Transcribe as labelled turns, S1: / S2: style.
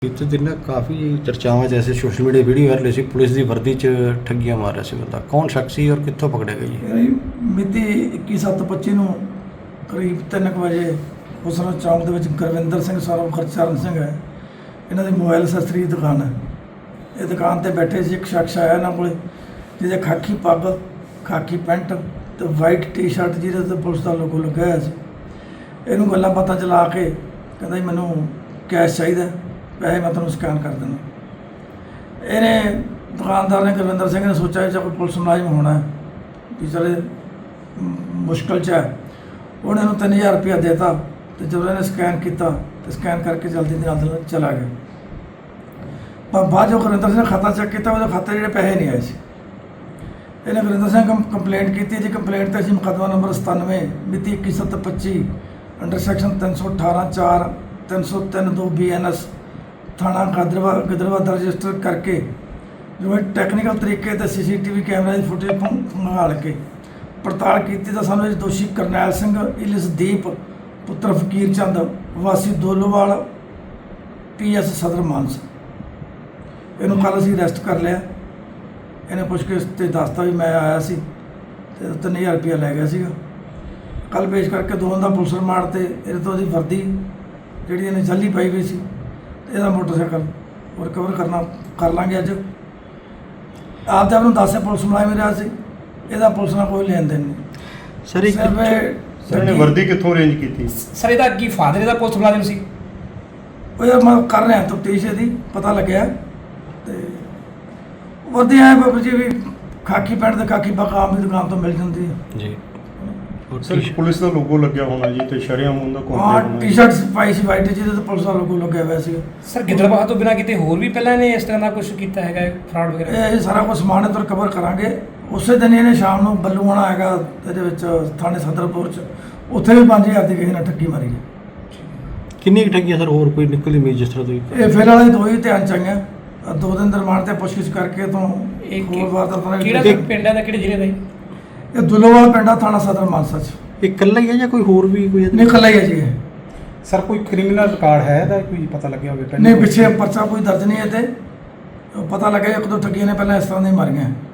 S1: बीते दिन ना काफ़ी चर्चावां जैसे सोशल मीडिया वीडियो वायरल सी पुलिस की वर्दी च ठगियां मार रहा सी बंदा कौन शख्स सी और कित्थों पकड़िया गया जी?
S2: ਮਿਤੀ 21/7/25 ਨੂੰ ਕਰੀਬ 3 ਵਜੇ ਹੁਸਨ ਚੌਂਕ ਦੇ ਵਿੱਚ ਗੁਰਵਿੰਦਰ ਸਿੰਘ ਸਰ ਖਰਚਰਨ ਸਿੰਘ ਹੈ। ਇਹਨਾਂ ਦੀ ਮੋਬਾਈਲ ਅਸੈਸਰੀ ਦੀ ਦੁਕਾਨ ਹੈ। ਇਹ ਦੁਕਾਨ ਤੇ ਬੈਠੇ ਸੀ, ਇੱਕ ਸ਼ਖਸ ਆਇਆ ਇਹਨਾਂ ਕੋਲੇ ਜਿਹਦੇ ਖਾਕੀ ਪੱਗ, ਖਾਕੀ ਪੈਂਟ ਤੇ ਵਾਈਟ ਟੀ-ਸ਼ਰਟ ਜਿਹਦੇ ਤੇ ਪੁਲਿਸ ਦਾ ਲੋਗੋ ਲੱਗਿਆ ਹੋਇਆ ਸੀ। ਇਹਨੂੰ ਗੱਲਾਂ ਬਾਤਾਂ ਚਲਾ ਕੇ ਕਹਿੰਦਾ ਜੀ ਮੈਨੂੰ ਕੈਸ਼ ਚਾਹੀਦਾ, ਪੈਸੇ ਮੈਂ ਤੁਹਾਨੂੰ ਸਕੈਨ ਕਰ ਦਿੰਦਾ। ਇਹਨੇ ਦੁਕਾਨਦਾਰ ਨੇ ਗੁਰਵਿੰਦਰ ਸਿੰਘ ਨੇ ਸੋਚਿਆ ਕਿ ਕੋਈ ਪੁਲਿਸ ਮੁਲਾਜ਼ਮ ਹੋਣਾ ਵੀ ਚਲੇ ਮੁਸ਼ਕਲ 'ਚ ਹੈ। ਉਹਨੇ ਇਹਨੂੰ 3000 ਰੁਪਇਆ ਦੇਤਾ ਤੇ ਜਦੋਂ ਇਹਨੇ ਸਕੈਨ ਕੀਤਾ ਤੇ ਸਕੈਨ ਕਰਕੇ ਜਲਦੀ ਦੇ ਨਾਲ ਚਲਾ ਗਿਆ। ਪਰ ਬਾਅਦ ਜੋ ਗੁਰਵਿੰਦਰ ਸਿੰਘ ਨੇ ਖਾਤਾ ਚੈੱਕ ਕੀਤਾ ਉਹਦੇ ਖਾਤੇ ਜਿਹੜੇ ਪੈਸੇ ਨਹੀਂ ਆਏ ਸੀ। ਇਹਨੇ ਗੁਰਵਿੰਦਰ ਸਿੰਘ ਕੰਪਲੇਂਟ ਕੀਤੀ ਜੀ। ਕੰਪਲੇਂਟ 'ਤੇ ਅਸੀਂ ਮੁਕੱਦਮਾ ਨੰਬਰ 97 ਮਿਤੀ 21/7/25 ਅੰਡਰ ਸੈਕਸ਼ਨ 318(4) 303(2) BNS ਥਾਣਾ ਗਿੱਦੜਬਾਹਾ ਰਜਿਸਟਰ ਕਰਕੇ ਜੋ ਟੈਕਨੀਕਲ ਤਰੀਕੇ ਤੇ CCTV ਕੈਮਰਾ ਦੀ ਫੁਟੇਜ ਮੰਗਾਲ ਕੇ ਪੜਤਾਲ ਕੀਤੀ ਤਾਂ ਸਾਨੂੰ ਇਹ ਦੋਸ਼ੀ ਕਰਨੈਲ ਸਿੰਘ ਇਲਸਦੀਪ ਪੁੱਤਰ ਫਕੀਰ ਚੰਦ ਵਾਸੀ ਦੋਲੋਵਾਲ PS ਸਦਰ ਮਾਨਸਾ, ਇਹਨੂੰ ਕੱਲ੍ਹ ਅਸੀਂ ਅਰੈਸਟ ਕਰ ਲਿਆ। ਇਹਨੇ ਪੁੱਛਗਿੱਛ ਤੇ ਦੱਸਤਾ ਵੀ ਮੈਂ ਆਇਆ ਸੀ ਤੇ 3000 ਰੁਪਇਆ ਲੈ ਗਿਆ ਸੀਗਾ। ਕੱਲ੍ਹ ਪੇਸ਼ ਕਰਕੇ ਦੋਵਾਂ ਦਾ ਪੁਲਿਸ ਰਿਮਾਂਡ ਤੇ ਇਹਦੇ ਤੋਂ ਉਹਦੀ ਵਰਦੀ ਜਿਹੜੀ ਇਹਨੇ ਜੱਲੀ ਪਾਈ ਹੋਈ ਸੀ, ਇਹਦਾ ਮੋਟਰਸਾਈਕਲ ਉਹ ਰਿਕਵਰ ਕਰ ਲਾਂਗੇ ਅੱਜ। ਆਪਦੇ ਆਪ ਨੂੰ ਦੱਸਿਆ ਪੁਲਿਸ ਮੁਲਾਜ਼ਮ ਰਿਹਾ ਸੀ, ਇਹਦਾ ਪੁਲਿਸ ਨਾਲ ਕੋਈ ਲੈਣ ਦੇਣ ਨਹੀਂ।
S1: ਸਰ ਇੱਕ
S3: ਇਹਨੇ ਵਰਦੀ ਕਿੱਥੋਂ ਅਰੇਂਜ ਕੀਤੀ?
S4: ਸਰ ਇਹਦਾ ਕੀ ਫਾਦਰ ਇਹਦਾ ਪੁਲਿਸ ਮੁਲਾਜ਼ਮ ਸੀ?
S2: ਉਹ ਯਾਰ ਮੈਂ ਕਰ ਰਿਹਾ ਤਫਤੀਸ਼ ਇਹਦੀ, ਪਤਾ ਲੱਗਿਆ। ਤੇ ਵਰਦੀ ਆਏ ਬਾਬੂ ਜੀ ਵੀ ਖਾਕੀ ਪੈਂਟ ਤੇ ਖਾਕੀ ਪੱਗ ਆਮ ਦੀ ਦੁਕਾਨ ਤੋਂ ਮਿਲ ਜਾਂਦੀ ਹੈ
S1: ਜੀ।
S3: ਸਰ ਪੁਲਿਸ ਦਾ ਲੋਗੋ ਲੱਗਿਆ ਹੋਣਾ ਜੀ ਤੇ ਸ਼ਰੇਆਮ ਉਹਦਾ
S2: ਹਾਂ ਟੀ-ਸ਼ਰਟ ਪਾਈ ਸੀ ਵਾਈਟ ਜਿਹਦੇ ਤੇ ਪੁਲਿਸ ਦਾ ਲੋਗੋ ਲੱਗਿਆ ਹੋਇਆ ਸੀ।
S4: ਸਰ ਗਿੱਦੜਬਾਹਾ ਤੋਂ ਬਿਨਾਂ ਕਿਤੇ ਹੋਰ ਵੀ ਪਹਿਲਾਂ ਇਹਨੇ ਇਸ ਤਰ੍ਹਾਂ ਦਾ ਕੁਝ ਕੀਤਾ ਹੈਗਾ ਫਰਾਡ ਵਗੈਰਾ?
S2: ਇਹ ਸਾਰਾ ਕੁਝ ਸਮਾਨ ਇਹਦਾ ਰਿਕਵਰ ਕਰਾਂਗੇ। ਉਸੇ ਦਿਨ ਇਹਨੇ ਸ਼ਾਮ ਨੂੰ ਬੱਲੂਆਣਾ ਹੈਗਾ ਇਹਦੇ ਵਿੱਚ ਥਾਣੇ ਸਦਰਪੁਰ 'ਚ, ਉੱਥੇ ਵੀ 5000 ਦੀ ਕਿਸੇ ਨੇ ਠੱਗੀ ਮਾਰੀ ਹੈ।
S1: ਕਿੰਨੀ ਕੁ ਠੱਗੀਆਂ ਸਰ ਹੋਰ ਕੋਈ ਨਿਕਲੀ ਮੀ ਜਿਸ ਤਰ੍ਹਾਂ ਤੁਸੀਂ?
S2: ਇਹ ਫਿਲਹਾਲ ਇਹ ਦੋ ਹੀ ਧਿਆਨ ਚ ਆਈਆਂ। 2 ਦਿਨ ਦੇ ਰਿਮਾਂਡ ਤੇ ਪੁੱਛਗਿੱਛ ਕਰਕੇ ਤੋਂ ਹੋਰ ਵਾਰ ਦਾ
S4: ਕਿਹੜਾ ਪਿੰਡ ਹੈ ਦਾ, ਕਿਹੜੇ ਜ਼ਿਲ੍ਹੇ ਦਾ ਜੀ?
S2: ਇਹ ਦੁੱਲੋਵਾਲ ਪਿੰਡ ਆ, ਥਾਣਾ ਸਦਰ ਮਾਨਸਾ 'ਚ।
S1: ਇਹ ਇਕੱਲਾ ਹੀ ਹੈ ਜਾਂ ਕੋਈ ਹੋਰ ਵੀ ਕੋਈ?
S2: ਨਹੀਂ ਇਕੱਲਾ ਹੀ ਹੈ ਜੀ ਇਹ।
S5: ਸਰ ਕੋਈ ਕ੍ਰਿਮੀਨਲ ਰਿਕਾਰਡ ਹੈ ਇਹਦਾ, ਕੋਈ ਪਤਾ ਲੱਗਿਆ ਹੋਵੇ?
S2: ਨਹੀਂ ਪਿੱਛੇ ਪਰਚਾ ਕੋਈ ਦਰਜ ਨਹੀਂ ਹੈ ਤੇ ਪਤਾ ਲੱਗਿਆ 1-2 ਠੱਗੀਆਂ ਨੇ ਪਹਿਲਾਂ ਇਸ ਤਰ੍ਹਾਂ ਦੀਆਂ ਮਾਰੀਆਂ।